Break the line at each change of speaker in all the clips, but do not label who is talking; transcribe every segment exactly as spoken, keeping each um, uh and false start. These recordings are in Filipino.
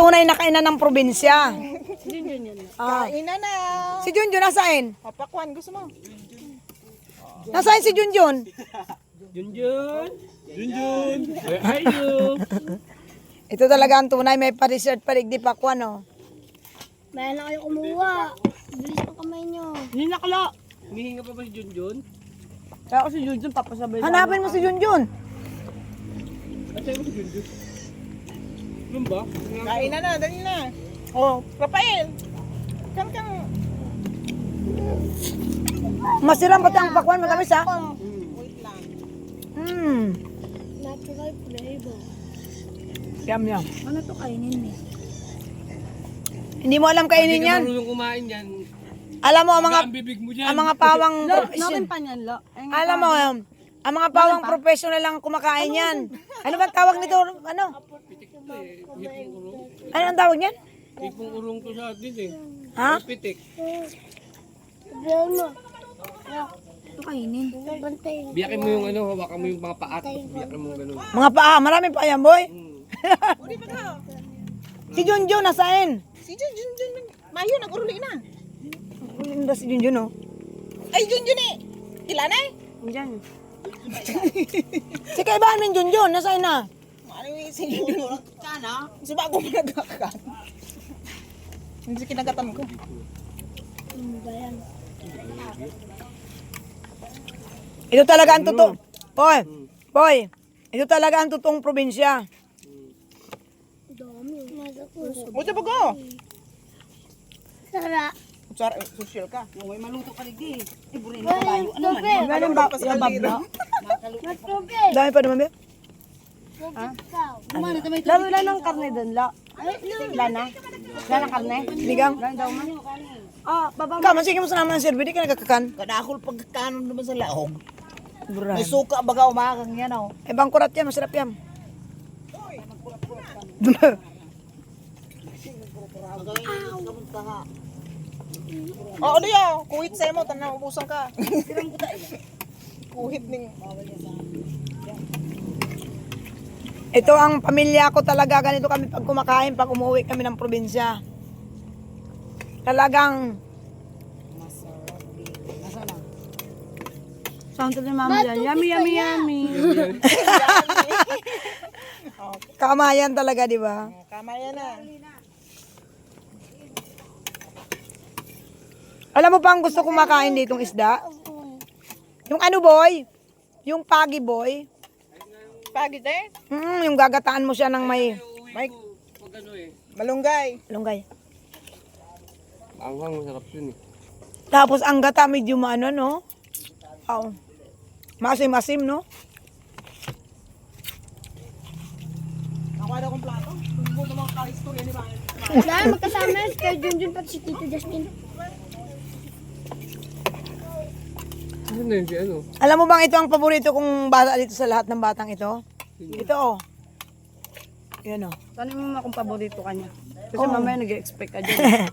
tunay na kainan ng probinsya.
Si Junjun yun.
Ah.
Kain na na.
Si Junjun, nasaan?
Papakwan, gusto mo?
Nasaan si Junjun?
Junjun! Junjun! Where are you?
Ito talaga ang tunay, may pa-dessert pa rin di pakwan, oh.
Bayan na kayo kumuha. Bilis pa kamay nyo.
Hindi nakala. Humihinga pa ba si Junjun?
Kaya ako si Junjun, papasabay
Hanapin mo si Junjun.
At sa'yo mo si Junjun? Ano ba?
Kain na na, dali na. Oh, Rafael. Kan kan.
Masirang pati ang pakwan, matamis, ha?
Wait lang.
Hmm.
Natural flavor.
Yum, yum.
Ano to kainin eh?
Hindi mo alam kainin
Hindi ka
yan.
marunong kumain yan.
Alam mo, ang mga,
Ang bibig mo dyan.
ang mga pawang
Natin
professional.
pa niyan, lo.
Alam mo, um, ang mga pawang professional lang kumakain yan. Ano ba tawag nito? Ano?
Pitik to eh. Hipong urong.
Ano ang tawag niyan?
Hipong urong to sa atin eh.
Ha?
Pitik.
Brown mo. Ito kainin. Bantay.
Biyakin mo yung ano, hawakan mo yung mga paat. Biyakin mo ganun.
Mga paa, marami pa yan, boy.
Hmm.
Uri pa ka.
Si Junjun, nasaan?
Si Junjun, Junjun. Mayo, nag-uruli na.
Ang si Junjun, oh.
Ay, Junjun eh. Ilan eh?
Diyan. Si kaibahan mo yung Junjun, nasaan na?
Ano yung si Junjun? Kana? Suba ako managakan. Hindi si kinagatan ko.
Ano ba yan?
Ito talaga ang totoo. Boy, boy, ito talaga ang totoong probinsya.
Dami.
O, diba ko?
Sara.
Sara, social ka.
May maluto ka lagi. Eh, burin
Wala.
na tayo. Ano man?
Tubig.
Ganun ba? Sa kaldero.
May tubig.
Dami pa naman, be.
Tubig ka.
Kumana na may
Lalo na ng karne doon, la.
Ay, no.
Lana? Lana karne?
Bigang.
Lana daw man. Ah, baba.
Kaman, sige mo sa naman ng server, di ka nagkakakan.
Kadakol pagkakanon naman sa laog.
Buran.
May suka baga umakang yan, oh.
Eh, bangkurat yan, masarap yan.
Oo, ano yun? Kuhit sa'yo mo, tanang ubusan ka. Kuhit ning...
Ito ang pamilya ko talaga, ganito kami pag kumakain, pag umuwi kami ng probinsya. Talagang,
Saan ito ni mama yan? Yummy, yummy, yummy.
kamayan talaga, di ba?
Kama yan na.
Alam mo pa ang gusto kong makain ditong isda? Yung ano, boy? Yung pagi, boy.
Pagit eh.
Mm, yung gagataan mo siya ng may
Mike,
Pag ano eh.
malunggay.
lunggay.
Anghang, masarap yun eh.
Tapos ang gata medyo maano, no? Oo. Masim-masim, no?
Ako na akong plato. Kung mga ka-istorya ni Mama.
Dahil magkasama kay Junjun pati si Tito Justin.
Ano na yun si ano?
Alam mo bang ito ang paborito kong bata dito sa lahat ng batang ito? Ito, oh. Yan, oh.
Tanong mo akong paborito kanya. Kasi
Oo.
mamaya nag-expect ka dyan.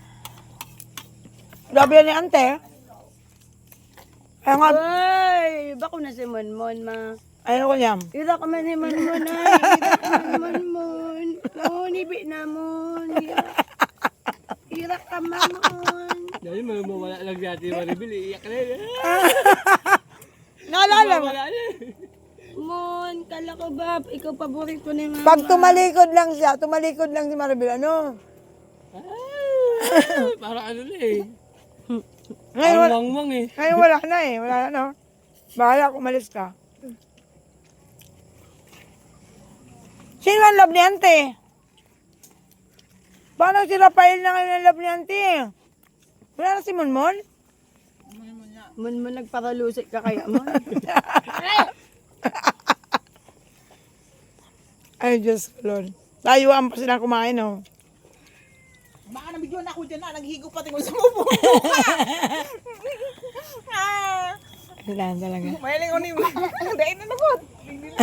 Grabe yan ni ante. Kaya nga,
Ay, bako na si Monmon, ma.
ayun ko niya.
Ira ka man ni Monmon, ay. Ira ka man Monmon. Naunibi na mon. Ira ka mamon.
Dahil may mawala lang dati Maribel, iiyak na yun.
Naalala mo?
Wala na.
Mon, kala ko ba, ikaw paborito ni mama.
Pag tumalikod lang siya, tumalikod lang si Maribel, ano?
Ah, parang ano na eh.
Ngayon,
Ang
wala,
wangwang eh.
ngayon wala na eh. Wala na, no? Bahala kung umalis ka. Sino ang love ni ante? Paano si Rafael na ngayon ang love ni ante? Wala na si Monmon?
Monmon, nagparalusik ka kaya mo.
Ay, Diyos ko, Lord. Layuan pa silang kumain, oh.
Baka nabigyan ako dyan na, naghigo pati ko sa mubo. Ah,
Kailangan talaga.
mahiling ko ni Dahil na nagot.